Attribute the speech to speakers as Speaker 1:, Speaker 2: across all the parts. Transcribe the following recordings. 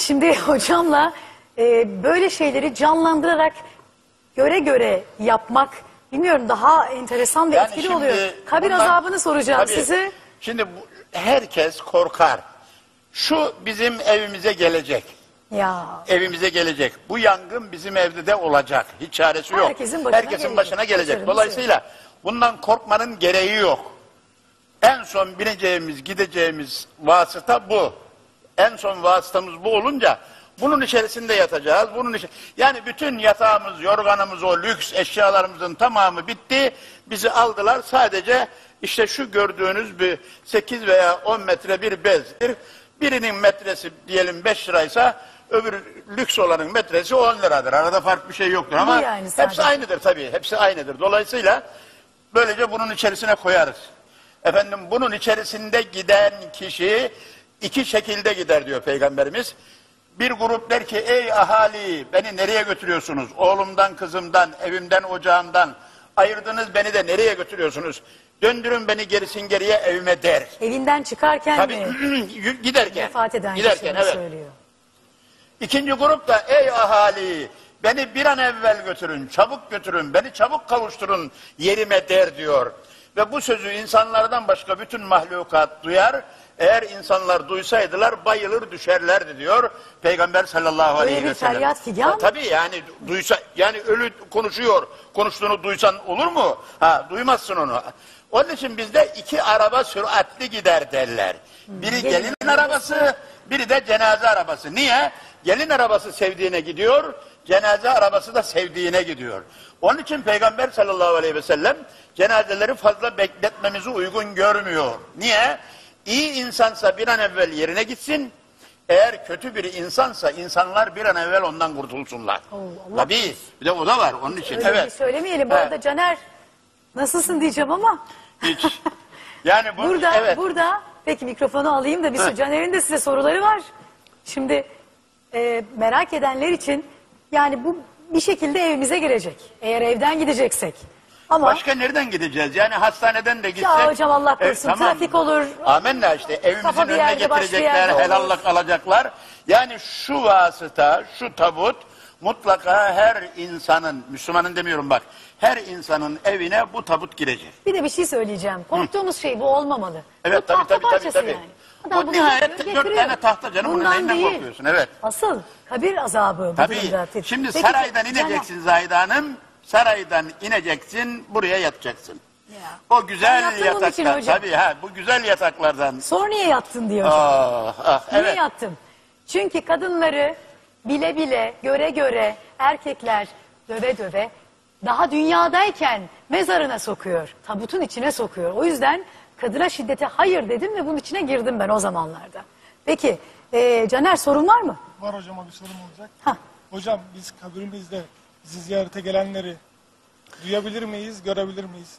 Speaker 1: Şimdi hocamla böyle şeyleri canlandırarak göre göre yapmak bilmiyorum daha enteresan ve etkili oluyor. Kabir azabını soracağım size.
Speaker 2: Şimdi herkes korkar. Şu bizim evimize gelecek.
Speaker 1: Ya.
Speaker 2: Evimize gelecek. Bu yangın bizim evde de olacak. Hiç çaresi yok. Herkesin başına gelecek. Dolayısıyla bundan korkmanın gereği yok. En son bineceğimiz, gideceğimiz vasıta bu. En son vasıtamız bu olunca bunun içerisinde yatacağız. Yani bütün yatağımız, yorganımız, o lüks eşyalarımızın tamamı bitti. Bizi aldılar. Sadece işte şu gördüğünüz bir 8 veya 10 metre bir bezdir. Birinin metresi diyelim 5 liraysa öbür lüks olanın metresi 10 liradır. Arada farklı bir şey yoktur ama yani hepsi aynıdır tabii. Hepsi aynıdır. Dolayısıyla böylece bunun içerisine koyarız. Efendim bunun içerisinde giden kişi iki şekilde gider diyor Peygamberimiz. Bir grup der ki ey ahali beni nereye götürüyorsunuz? Oğlumdan, kızımdan, evimden, ocağımdan ayırdınız beni de nereye götürüyorsunuz? Döndürün beni gerisin geriye evime der.
Speaker 1: Evinden çıkarken
Speaker 2: tabii,
Speaker 1: mi?
Speaker 2: Giderken.
Speaker 1: Vefat eden
Speaker 2: giderken evet.
Speaker 1: Söylüyor.
Speaker 2: İkinci grup da ey ahali beni bir an evvel götürün, çabuk götürün, beni çabuk kavuşturun yerime der diyor. Ve bu sözü insanlardan başka bütün mahlukat duyar. Eğer insanlar duysaydılar bayılır düşerlerdi diyor Peygamber sallallahu aleyhi ve sellem.
Speaker 1: Feryat figan.
Speaker 2: Tabii yani duysa yani ölü konuşuyor. Konuştuğunu duysan olur mu? Duymazsın onu. Onun için bizde iki araba süratli gider derler. Biri gelin arabası, biri de cenaze arabası. Niye? Gelin arabası sevdiğine gidiyor, cenaze arabası da sevdiğine gidiyor. Onun için Peygamber sallallahu aleyhi ve sellem cenazeleri fazla bekletmemizi uygun görmüyor. Niye? İyi insansa bir an evvel yerine gitsin. Eğer kötü bir insansa insanlar bir an evvel ondan kurtulsunlar. Tabii. Bir de o da var onun için.
Speaker 1: Öyle evet. Söylemeyelim. Bu arada Caner nasılsın diyeceğim ama.
Speaker 2: Hiç. Yani bu,
Speaker 1: burada peki mikrofonu alayım da bir sürü Caner'in de size soruları var. Şimdi merak edenler için yani bu bir şekilde evimize girecek. Eğer evden gideceksek. Ama
Speaker 2: başka nereden gideceğiz? Yani hastaneden de gitsek.
Speaker 1: Ya hocam Allah korusun tamam. Trafik olur.
Speaker 2: Amenna işte evimizin önüne getirecekler, helallik alacaklar. Yani şu vasıta, şu tabut mutlaka her insanın, Müslümanın demiyorum bak, her insanın evine bu tabut girecek.
Speaker 1: Bir de bir şey söyleyeceğim. Korktuğumuz şey bu olmamalı.
Speaker 2: Evet
Speaker 1: bu
Speaker 2: tabii.
Speaker 1: Yani.
Speaker 2: Bu nihayet 4 tane tahta canım bunun neyinden korkuyorsun? Evet.
Speaker 1: Asıl kabir azabı.
Speaker 2: Tabii. Şimdi peki, saraydan ineceksin Zahide Hanım. Saraydan ineceksin, buraya yatacaksın. Ya. O güzel yataklar. Tabii bu güzel yataklardan.
Speaker 1: Sonra niye yattın diyor hocam. Niye yattım? Çünkü kadınları bile bile, göre göre, erkekler döve döve daha dünyadayken mezarına sokuyor. Tabutun içine sokuyor. O yüzden kadına şiddete hayır dedim ve bunun içine girdim ben o zamanlarda. Peki Caner sorun var mı?
Speaker 3: Var hocama bir sorum olacak. Hocam biz kabrimizde bizi ziyarete gelenleri duyabilir miyiz, görebilir miyiz?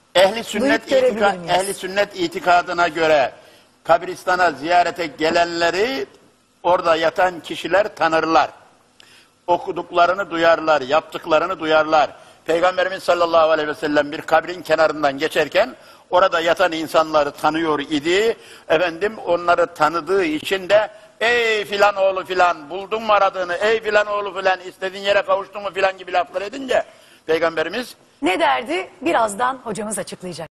Speaker 2: Ehli sünnet itikadına göre kabristana ziyarete gelenleri orada yatan kişiler tanırlar. Okuduklarını duyarlar, yaptıklarını duyarlar. Peygamberimiz sallallahu aleyhi ve sellem bir kabrin kenarından geçerken orada yatan insanları tanıyor idi. Efendim onları tanıdığı için de ey filan oğlu filan buldun mu aradığını, ey filan oğlu filan istediğin yere kavuştun mu filan gibi laflar edince Peygamberimiz
Speaker 1: ne derdi? Birazdan hocamız açıklayacak.